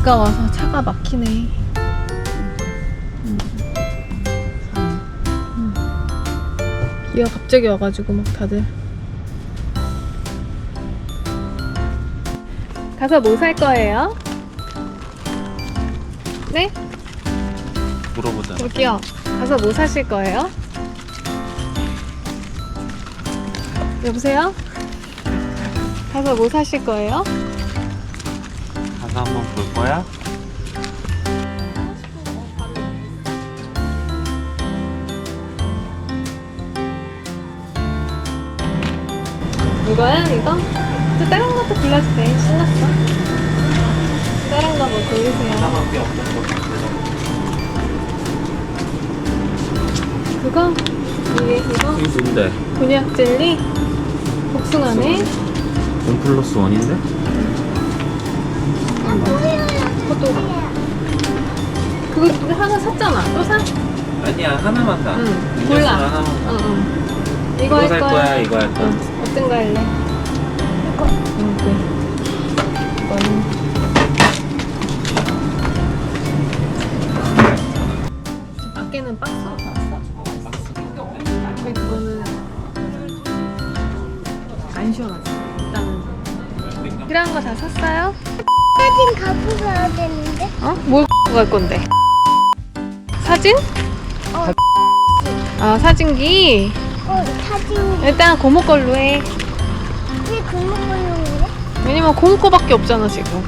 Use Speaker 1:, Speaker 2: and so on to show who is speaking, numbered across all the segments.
Speaker 1: 비가 와서 차가 막히네. 비가 갑자기 와가지고 막 다들. 가서 뭐 살 거예요? 네?
Speaker 2: 물어보자.
Speaker 1: 여기요. 가서 뭐 사실 거예요? 여보세요? 가서 뭐 사실 거예요?
Speaker 2: 가서 한번 볼 거야?
Speaker 1: 이거야? 이거? 또 다른 것도 골라도 돼. 신났어. 다른 거 뭐 고르세요.
Speaker 2: 하나밖에 없는 거 같아.
Speaker 1: 그거? 이거?
Speaker 2: 이게 뭔데?
Speaker 1: 곤약 젤리? 복숭아네?
Speaker 2: 1+1인데?
Speaker 1: 그것도 그거 하나 샀잖아. 또 사?
Speaker 2: 아니야, 하나만 사.
Speaker 1: 응.
Speaker 2: 음료수
Speaker 1: 골라.
Speaker 2: 하나만 사.
Speaker 1: 응. 이거
Speaker 2: 이거
Speaker 1: 할
Speaker 2: 살 거야, 이거 할 거야?
Speaker 1: 응. 어떤 거 할래? 이거. 응, 그래. 이거는 밖에는 박스로 나왔어? 근데 그거는 안 시원하지. 일단은 필요한 거 다 샀어요?
Speaker 3: 사진 갖고 가야 되는데.
Speaker 1: 어? 뭘 갈 건데? 사진? 아, 사진기?
Speaker 3: 사진.
Speaker 1: 일단 고모 걸로 해.
Speaker 3: 왜 그런 걸로 그래?
Speaker 1: 왜냐면 고모 거밖에 없잖아, 지금.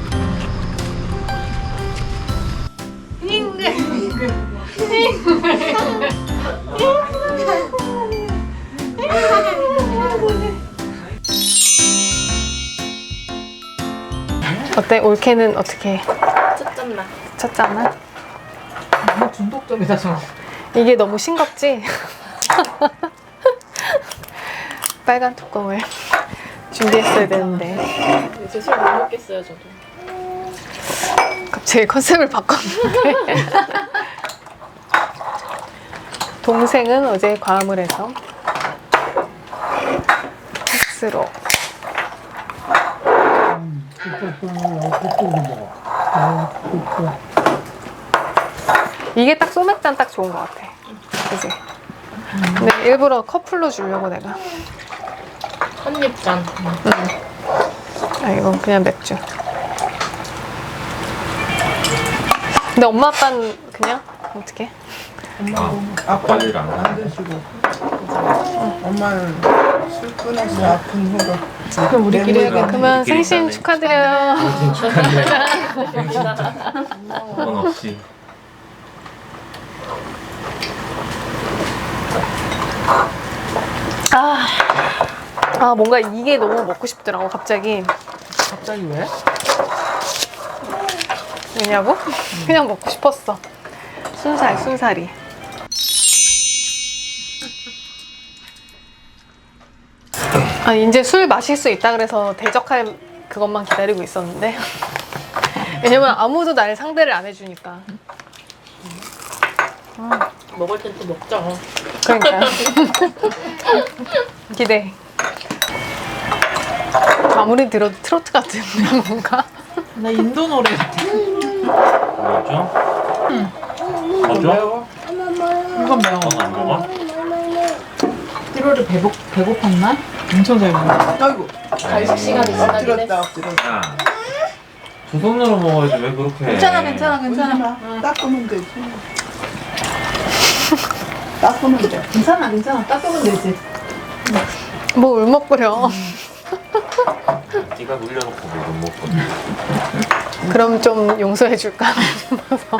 Speaker 1: 어때? 올케는 어떻게 해?
Speaker 4: 쳤잖아.
Speaker 1: 쳤잖아?
Speaker 4: 너무 중독적이다 저.
Speaker 1: 이게 너무 싱겁지? 빨간 뚜껑을 준비했어야 되는데
Speaker 4: 이제 술 못 먹겠어요 저도.
Speaker 1: 갑자기 컨셉을 바꿨는데 동생은 어제 과음을 해서 텍스로 이게 딱 소맥잔 딱 좋은 것 같아. 그치? 근데 일부러 커플로 주려고 내가.
Speaker 4: 한입잔.
Speaker 1: 아, 이건 그냥 맥주. 근데 엄마 아빠는 그냥 어떻게?
Speaker 2: 관리를 안 해.
Speaker 5: 드시고 엄마는 술 끊어서 아픈 후로
Speaker 1: 그럼 우리끼리
Speaker 5: 해야겠네.
Speaker 1: 그러면
Speaker 2: 우리끼리
Speaker 1: 생신
Speaker 2: 있다네.
Speaker 1: 축하드려요.
Speaker 2: 그건 없이.
Speaker 1: 뭔가 이게 너무 먹고 싶더라고 갑자기.
Speaker 5: 갑자기 왜?
Speaker 1: 왜냐고? 그냥 먹고 싶었어. 순살이. 아, 이제 술 마실 수 있다 그래서 대적할 그것만 기다리고 있었는데. 왜냐면 아무도 날 상대를 안 해주니까.
Speaker 4: 먹을 땐 또 먹자.
Speaker 1: 그러니까. 기대. 아무리 들어도 트로트 같은 뭔가.
Speaker 4: 나 인도 노래.
Speaker 2: 뭐죠? 뭐죠?
Speaker 5: 매워?
Speaker 4: 이건 매워.
Speaker 2: 그건 안 먹어?
Speaker 4: 1월에 배고팠나? 엄청 잘 먹어.
Speaker 5: 아이고
Speaker 4: 간식 시간이 지나긴
Speaker 5: 엎드렸다
Speaker 4: 했어.
Speaker 5: 엎드렸다
Speaker 2: 야, 두 손으로 먹어야지 왜 그렇게 해?
Speaker 4: 괜찮아.
Speaker 5: 닦으면 되지 닦으면 돼
Speaker 4: 괜찮아. 닦으면 되지.
Speaker 1: 뭐 울먹거려.
Speaker 2: 네가 물려놓고 못 먹거든.
Speaker 1: 그럼 좀 용서해 줄까 싶어서.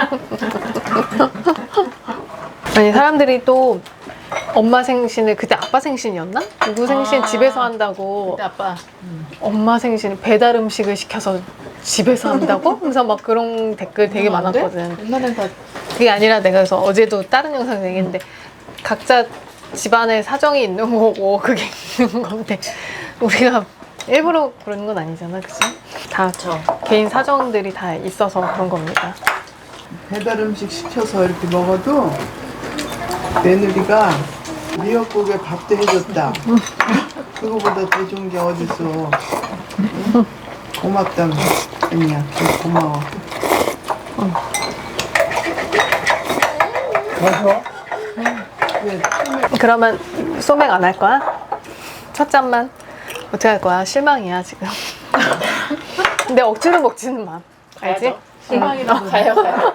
Speaker 1: 아니 사람들이 또 엄마 생신을 그때 아빠 생신이었나? 누구 생신 집에서 한다고.
Speaker 4: 그때 아빠.
Speaker 1: 엄마 생신 배달 음식을 시켜서 집에서 한다고? 그래서 막 그런 댓글 되게 많았거든.
Speaker 4: 옛날엔 다
Speaker 1: 그게 아니라 내가 그래서 어제도 다른 영상 얘기했는데 각자 집안에 사정이 있는 거고 그게 있는 건데 우리가 일부러 그러는 건 아니잖아, 그치? 다
Speaker 4: 그쵸.
Speaker 1: 개인 사정들이 다 있어서 그런 겁니다.
Speaker 5: 배달 음식 시켜서 이렇게 먹어도 며느리가 미역국에 밥도 해줬다 그거보다 더 좋은 게 어딨어 응? 고맙다며 아니야 고마워 맞아. 왜
Speaker 1: 그러면 소맥 안 할 거야? 첫 잔만? 어떻게 할 거야? 실망이야 지금. 근데 억지로 먹지는 마. 알지?
Speaker 4: 실망이라고.
Speaker 6: 가요.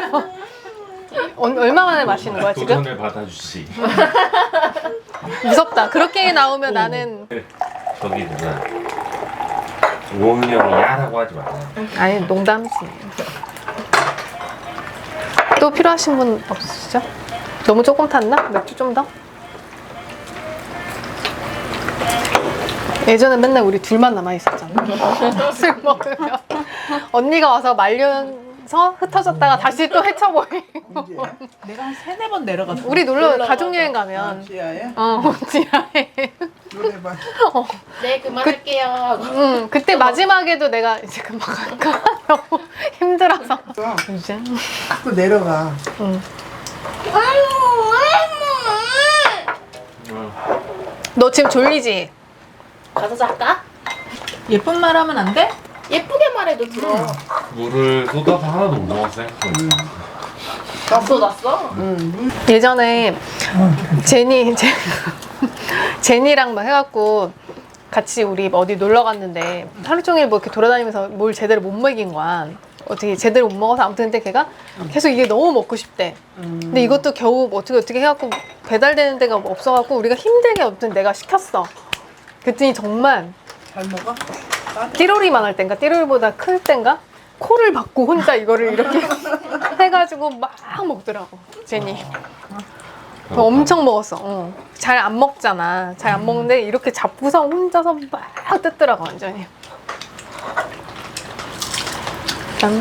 Speaker 1: 얼마 만에 마시는 거야 지금?
Speaker 2: 도전을 받아주시.
Speaker 1: 무섭다. 그렇게 나오면 나는
Speaker 2: 저기 누나. 오은이 형이 야라고 하지 마요.
Speaker 1: 아니 농담이지. 또 필요하신 분 없으시죠? 너무 조금 탔나? 맥주 좀 더? 예전에 맨날 우리 둘만 남아 있었잖아. 술 먹으면 언니가 와서 말려서 흩어졌다가 다시 또 헤쳐버리고.
Speaker 5: 이제
Speaker 4: 내가 한 3-4번 내려갔어.
Speaker 1: 우리 놀러 가족 여행 가면
Speaker 5: 지하에
Speaker 1: 지하에
Speaker 5: 노래방.
Speaker 6: 네, 그만할게요.
Speaker 1: 그때 마지막에도 내가 이제 금방 갈까 너무 힘들어서 이제
Speaker 5: 자꾸 내려가.
Speaker 1: 너 지금 졸리지?
Speaker 6: 가서 잘까?
Speaker 4: 예쁜 말 하면 안 돼?
Speaker 6: 예쁘게 말해도 들어.
Speaker 2: 물을 쏟아서 하나도 못 먹었어.
Speaker 6: 다 쏟았어?
Speaker 1: 예전에 제니랑 막 해갖고 같이 우리 어디 놀러 갔는데 하루 종일 뭐 이렇게 돌아다니면서 뭘 제대로 못 먹인 거야. 어떻게 제대로 못 먹어서 아무튼 근데 걔가 계속 이게 너무 먹고 싶대. 근데 이것도 겨우 뭐 어떻게 해갖고 배달되는 데가 없어갖고 우리가 힘들게 아무튼 내가 시켰어. 그랬더니 정말
Speaker 5: 잘 먹어?
Speaker 1: 띠로리만 할 땐가 띠로리보다 클 땐가 코를 박고 혼자 이거를 이렇게 해가지고 막 먹더라고 제니. 엄청 먹었어. 잘 안 먹잖아. 잘 안 먹는데 이렇게 잡고서 혼자서 막 뜯더라고 완전히. 짠.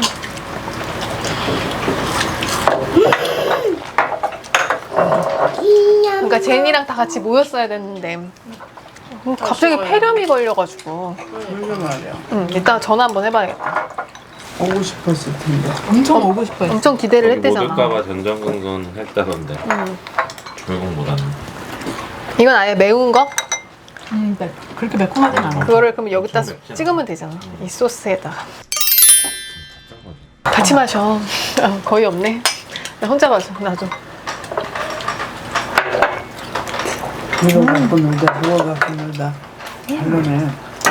Speaker 1: 그러니까 제니랑 다 같이 모였어야 됐는데 갑자기 폐렴이 걸려가지고.
Speaker 5: 그러게 말이야.
Speaker 1: 이따 전화 한번 해봐야겠다.
Speaker 5: 오고 싶었을 텐데.
Speaker 4: 엄청 오고 싶어.
Speaker 1: 엄청 기대를
Speaker 2: 못
Speaker 1: 했대잖아.
Speaker 2: 올까봐 전전긍긍 했다던데. 결국 못 왔네.
Speaker 1: 이건 아예 매운 거?
Speaker 4: 네. 그렇게 매콤하진 않아.
Speaker 1: 그거를 그럼 여기다
Speaker 2: 엄청 맵지 않아?
Speaker 1: 찍으면 되잖아. 이 소스에다가. 같이 마셔. 거의 없네. 나 혼자 마셔. 나도.
Speaker 5: 누가 갖고 놀다, 누가 갖고 놀다. 잘노네.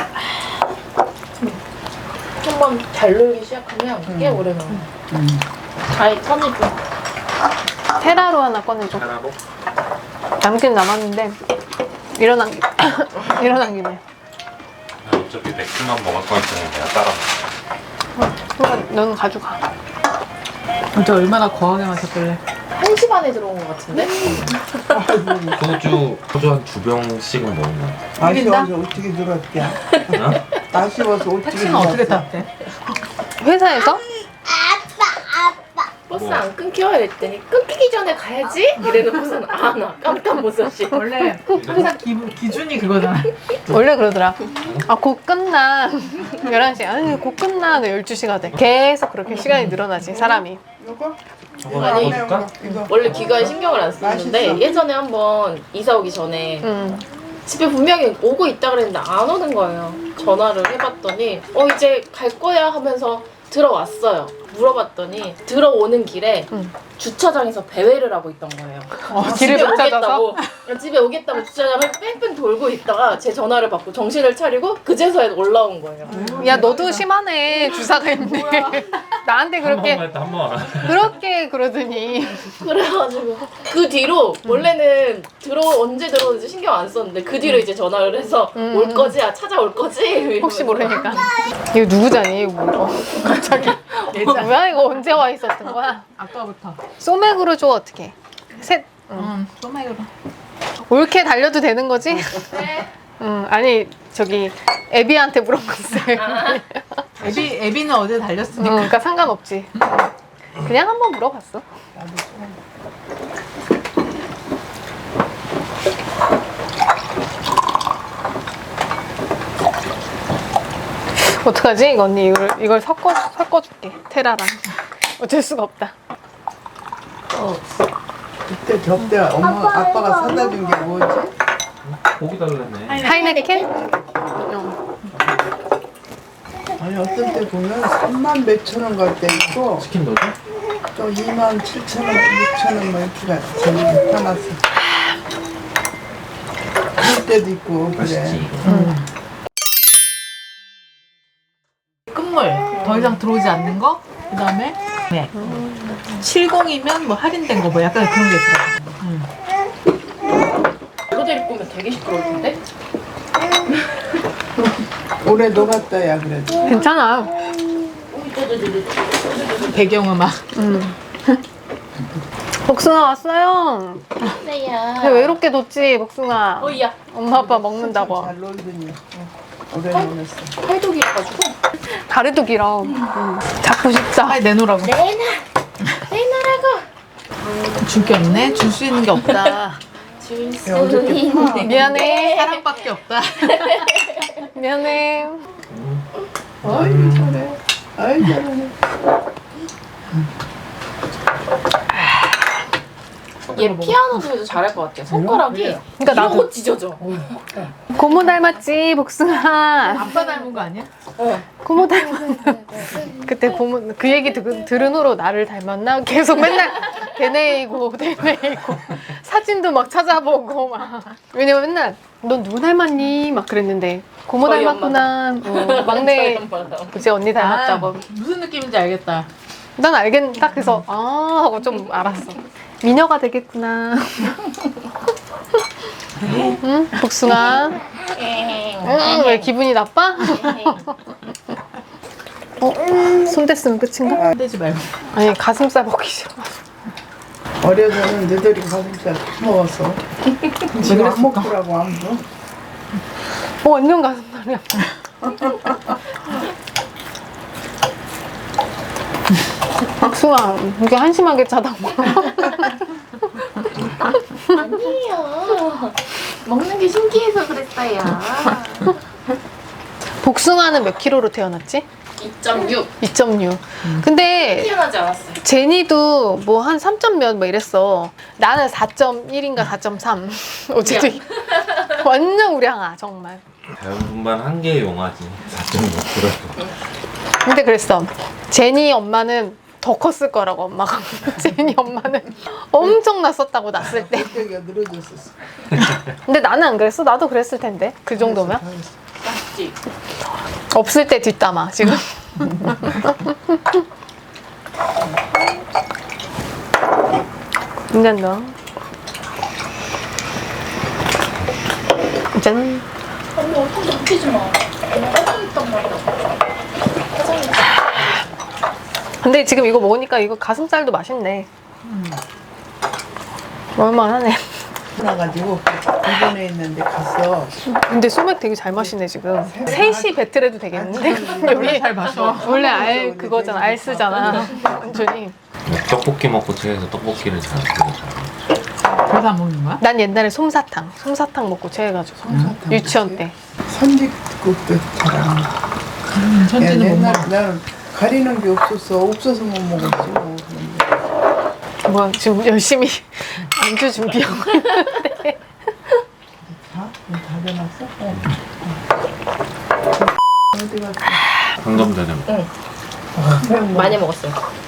Speaker 6: 한번 잘 놀기 시작하면 꽤 오래 놀아. 잘 편해져.
Speaker 1: 테라로 하나 꺼내줘.
Speaker 2: 하나로?
Speaker 1: 남긴 남았는데 일어난 김에. 일어난 김에.
Speaker 2: 나 어차피 맥주만 먹을 거였으니 내가 따라 먹어.
Speaker 1: 너는 가져가.
Speaker 4: 어제 얼마나 거하게 마셨길래.
Speaker 6: 1시 반에 들어온 것 같은데?
Speaker 2: 소주 한 2병씩은 먹은 거 같아.
Speaker 5: 아쉬워서 어떻게 들었대?
Speaker 2: 어?
Speaker 5: 아쉬워서 어떻게
Speaker 4: 택시는 어떻게
Speaker 5: 들었어?
Speaker 4: 탔대?
Speaker 1: 회사에서?
Speaker 6: 버스 안 끊겨? 이랬더니 끊기기 전에 가야지? 이래놓고서는 나 깜깜 못 썼지.
Speaker 4: 원래 항상 기준이 그거잖아.
Speaker 1: 원래 그러더라. 곧 끝나. 11시. 아니, 곧 끝나. 12시가 돼. 계속 그렇게 시간이 늘어나지, 사람이.
Speaker 5: 이거?
Speaker 2: 저거
Speaker 6: 아니,
Speaker 2: 먹어줄까?
Speaker 5: 이거.
Speaker 6: 원래 귀가에 신경을 안 쓰는데
Speaker 5: 맛있어.
Speaker 6: 예전에 한번 이사 오기 전에 집에 분명히 오고 있다 그랬는데 안 오는 거예요. 전화를 해봤더니 이제 갈 거야 하면서 들어왔어요. 물어봤더니 들어오는 길에 주차장에서 배회를 하고 있던 거예요.
Speaker 1: 길을 못 찾아서?
Speaker 6: 집에 오겠다고 주차장을 뺑뺑 돌고 있다가 제 전화를 받고 정신을 차리고 그제서야 올라온 거예요.
Speaker 1: 야, 너도 심하네. 주사가 있네. 나한테
Speaker 2: 한
Speaker 1: 그렇게,
Speaker 2: 번만 했다 한 번.
Speaker 1: 그렇게 그러더니.
Speaker 6: 그래가지고 그 뒤로 원래는 언제 들어오는지 신경 안 썼는데 그 뒤로 이제 전화를 해서 올 거지? 찾아올 거지?
Speaker 1: 혹시 모르니까. 이거 누구 잔이? 이거 뭐. 갑자기. 뭐야, 이거 언제 와 있었던 거야?
Speaker 4: 아까부터.
Speaker 1: 소맥으로 줘, 어떻게? 셋.
Speaker 4: 소맥으로.
Speaker 1: 옳게 달려도 되는 거지? 네. 아니, 저기, 애비한테 물어봤어요.
Speaker 4: 애비는 어제 달렸으니까.
Speaker 1: 그러니까 상관없지. 그냥 한번 물어봤어. 어떡하지? 이거 언니 이걸 섞어줄게. 테라랑. 어쩔 수가 없다.
Speaker 5: 그때 저때 아빠가 사다 준 게 뭐지?
Speaker 2: 고기 달라네.
Speaker 1: 하이네켄?
Speaker 5: 아니 어떤 때 보면 3만 몇천 원 갈 때 있고
Speaker 2: 치킨 넣어줘?
Speaker 5: 또 2만 7천 원, 6천 원 뭐 이렇게 가. 저기 화났어. 그럴 때도 있고 그래.
Speaker 4: 끝물 더 이상 들어오지 않는 거. 그 다음에 네. 70이면 뭐 할인된 거 뭐 약간 그런 게 있더라고.
Speaker 6: 멜로디를 꾸면 되게 시끄러울 텐데?
Speaker 5: 올해 녹았다 야 그래도.
Speaker 1: 괜찮아.
Speaker 4: 배경음악.
Speaker 1: 복숭아 왔어요.
Speaker 6: 네야.
Speaker 1: 왜 외롭게 뒀지, 복숭아?
Speaker 6: 어이야.
Speaker 1: 엄마 아빠 먹는다고.
Speaker 5: 잘 놀더니 오래 놀았어.
Speaker 6: 팔도 길어가지고.
Speaker 1: 다리도 길어. 잡고 싶다.
Speaker 4: 빨리 내놓으라고.
Speaker 6: 내놔라고.
Speaker 4: 줄 게 없네. 줄 수 있는 게 없다.
Speaker 6: 줄 수
Speaker 5: 야, 어저께
Speaker 6: 있는
Speaker 1: 미안해.
Speaker 4: 사랑밖에 없다.
Speaker 1: 미안해.
Speaker 5: 아이 잘해. 아이 잘해.
Speaker 6: 얘 피아노도 해도 잘할 것 같아. 손가락이
Speaker 1: 그러니까 나도.
Speaker 6: 이러고 찢어져.
Speaker 1: 고모 닮았지, 복숭아.
Speaker 4: 아빠 닮은 거 아니야?
Speaker 1: 고모 닮았나? 그때 고모 그 얘기 들은 후로 나를 닮았나? 계속 맨날 되뇌이고 사진도 막 찾아보고 막. 왜냐면 맨날 넌 누구 닮았니? 막 그랬는데 고모
Speaker 6: 저희
Speaker 1: 닮았구나. 막내 이제 언니 닮았다고.
Speaker 4: 아, 무슨 느낌인지 알겠다.
Speaker 1: 난 알겠 딱 그래서 아 하고 좀 알았어. 미녀가 되겠구나. 응? 복숭아. 왜 기분이 나빠? 손 댔으면 끝인가?
Speaker 4: 떼지 말고.
Speaker 1: 아니 가슴살 먹기 싫어.
Speaker 5: 어려서는 너희들이 가슴살 다 먹었어. 지금 안 먹더라고 아무도.
Speaker 1: 완전 가슴살이야. 복숭아 이게 한심하게 쳐다봐.
Speaker 6: 아니에요. 먹는 게 신기해서 그랬어요.
Speaker 1: 복숭아는 몇 킬로로 태어났지?
Speaker 6: 2.6.
Speaker 1: 2.6. 근데
Speaker 6: 태어나지 않았어요.
Speaker 1: 제니도 뭐 한 3점 몇 뭐 이랬어. 나는 4.1인가 4.3. 어쨌든 완전 우량아 정말.
Speaker 2: 자연분만 한 개의 용아지 4.6kg.
Speaker 1: 근데 그랬어. 제니 엄마는 더 컸을 거라고 엄마가. 제니 엄마는 엄청 났었다고 났을 때.
Speaker 5: 여기가 늘어졌었어.
Speaker 1: 근데 나는 안 그랬어. 나도 그랬을 텐데. 그 정도면.
Speaker 6: 맞지?
Speaker 1: 없을 때 뒷담화 지금. 괜찮다. 짠.
Speaker 6: 언니 얼굴 넘기지 마. 화장했단 말이야.
Speaker 1: 근데 지금 이거 먹으니까 이거 가슴살도 맛있네. 얼마나네.
Speaker 5: 나가지고 일본에 있는데 갔어.
Speaker 1: 근데 소맥 되게 잘 마시네 지금. 셋이 배틀해도 되겠는데?
Speaker 4: 원래 잘 마셔.
Speaker 1: 원래 알 그거잖아. 알 쓰잖아. 완전히.
Speaker 2: 떡볶이 먹고 체해서 떡볶이를 잘 먹잖아.
Speaker 4: 그래서 안 먹는 거야?
Speaker 1: 난 옛날에 솜사탕 먹고 체해가지고 유치원 때.
Speaker 5: 선지국도 잘안 먹어.
Speaker 4: 천지는 못
Speaker 5: 옛날
Speaker 4: 먹어.
Speaker 5: 나는 가리는 게 없어서 못 먹었지 뭐.
Speaker 1: 뭐야 지금 열심히 안주 준비하고 있는데.
Speaker 5: 다 되놨어? 어디 갔어?
Speaker 2: 방금 전에
Speaker 6: 많이 먹었어요.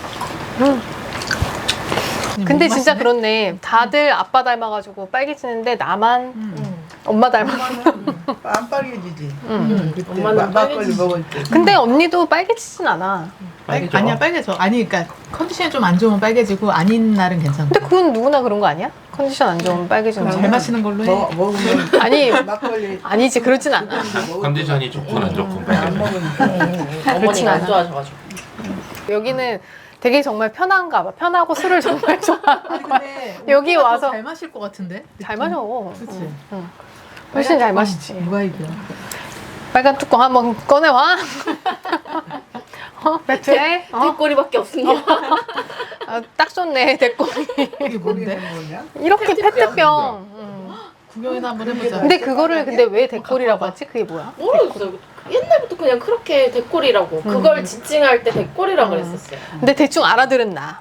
Speaker 1: 근데 진짜 그렇네. 다들 아빠 닮아가지고 빨개지는데 나만 엄마 닮아.
Speaker 5: 안 빨개지지. 그때
Speaker 6: 엄마는
Speaker 5: 막걸리
Speaker 6: 빨개지지.
Speaker 5: 먹을 때.
Speaker 1: 근데 언니도 빨개지진 않아.
Speaker 2: 빨개져.
Speaker 4: 아니야 빨개져. 아니 그러니까 컨디션이 좀 안 좋으면 빨개지고 아닌 날은 괜찮아.
Speaker 1: 근데 그건 누구나 그런 거 아니야? 컨디션 안 좋으면 빨개지는
Speaker 4: 잘
Speaker 1: 거.
Speaker 4: 마시는 걸로 해.
Speaker 5: 먹으면
Speaker 1: 아니
Speaker 5: 막걸리
Speaker 1: 아니지 그러진 않아.
Speaker 2: 컨디션이 좋건 안 좋건
Speaker 5: 안
Speaker 2: 빨개져.
Speaker 5: 먹으니까.
Speaker 6: 어머니가
Speaker 1: 않아.
Speaker 6: 안 좋아하셔가지고.
Speaker 1: 여기는 되게 정말 편한가 봐. 편하고 술을 정말 좋아하는 거야.
Speaker 4: 근데
Speaker 1: 여기
Speaker 4: 오빠가
Speaker 1: 와서
Speaker 4: 더 잘 마실 것 같은데?
Speaker 1: 잘 마셔.
Speaker 4: 그치?
Speaker 1: 훨씬 잘 마시지.
Speaker 4: 누가 이겨?
Speaker 1: 빨간 뚜껑 한번 꺼내와. 배트에?
Speaker 6: 뒷꼬리밖에 없습니다.
Speaker 1: 딱 좋네 대꼬리.
Speaker 4: 이게 뭔데?
Speaker 5: 뭐냐?
Speaker 1: 이렇게 페트병.
Speaker 4: 구경이나 한번 해보자.
Speaker 1: 근데 그거를 근데 왜 대꼬리라고 하지? 그게 뭐야?
Speaker 6: 모르겠어요. 옛날부터 그냥 그렇게 데꼬리라고. 그걸 지칭할 때 데꼬리라고 그랬었어요.
Speaker 1: 근데 대충 알아들은 나.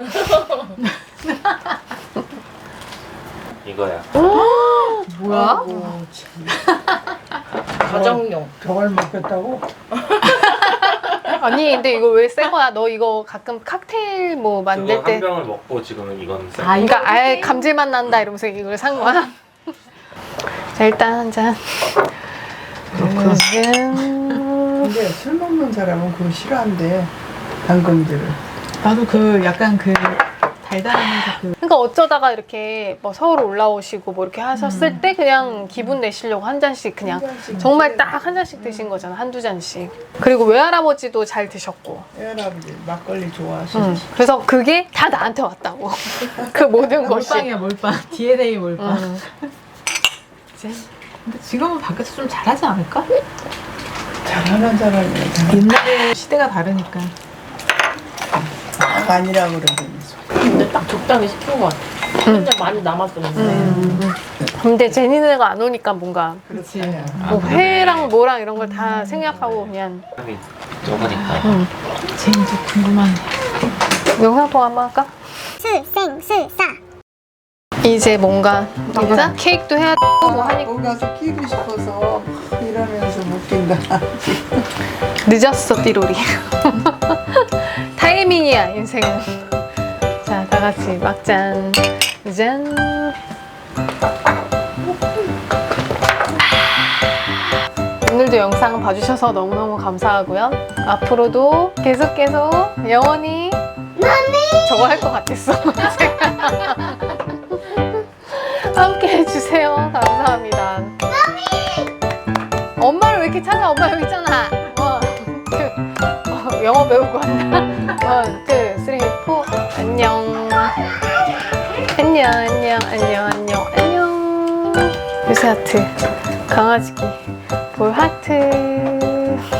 Speaker 2: 이거야.
Speaker 4: 뭐야?
Speaker 5: 아이고, 참.
Speaker 6: 가정용.
Speaker 5: 저걸 먹겠다고?
Speaker 1: 아니 근데 이거 왜 새 거야? 너 이거 가끔 칵테일 뭐 만들
Speaker 2: 그거
Speaker 1: 때
Speaker 2: 한 병을 먹고 지금은 이건 생.
Speaker 4: 아,
Speaker 1: 그러니까 아예 감질맛 난다 이러면서 이걸 산 거야? 자 일단 한 잔.
Speaker 5: 근데 술 먹는 사람은 그거 싫어한대. 당근들을.
Speaker 4: 나도 그 약간 그 달달하면서 그
Speaker 1: 그러니까 어쩌다가 이렇게 뭐 서울 올라오시고 뭐 이렇게 하셨을 때 그냥 기분 내시려고 한 잔씩 그냥
Speaker 5: 한 잔씩
Speaker 1: 정말 딱 한 잔씩 드신 거잖아. 한두 잔씩. 그리고 외할아버지도 잘 드셨고.
Speaker 5: 애할아버지 막걸리 좋아하시지.
Speaker 1: 그래서 그게 다 나한테 왔다고. 그 모든 것이.
Speaker 4: 몰빵이야 몰빵. DNA 몰빵.
Speaker 1: 이제
Speaker 4: 근데 지금은 밖에서 좀 잘하지 않을까?
Speaker 5: 잘하는 사람이야.
Speaker 4: 옛날에 시대가 다르니까.
Speaker 5: 막 아니라 그러면서.
Speaker 6: 근데 딱 적당히 시킨 것 같아. 그냥 많이 남았었는데.
Speaker 1: 근데 제니네가 안 오니까 뭔가
Speaker 4: 그렇지.
Speaker 1: 뭐 회랑 뭐랑 이런 걸 다 생략하고 그냥
Speaker 2: 사람이 적으니까.
Speaker 4: 제니도 궁금하네.
Speaker 1: 영상 통화 한번 할까?
Speaker 3: 술생술사.
Speaker 1: 이제 뭔가 이거 케이크도 해야 되고 뭐 하니까
Speaker 5: 거기 가서 끼고 싶어서 이러면서 못 낀다.
Speaker 1: 늦었어 띠로리. 타이밍이야 인생은. 자 다 같이 막잔 짠. 오늘도 영상 봐주셔서 너무너무 감사하고요. 앞으로도 계속 영원히 저거 할 것 같았어. 제가. 함께 해주세요. 감사합니다. 엄마를 왜 이렇게 찾아? 엄마 여기 있잖아. 영어 배우고 왔나? 원, 투, 쓰리, 포. 안녕. 안녕. 요새 하트. 강아지기. 볼 하트.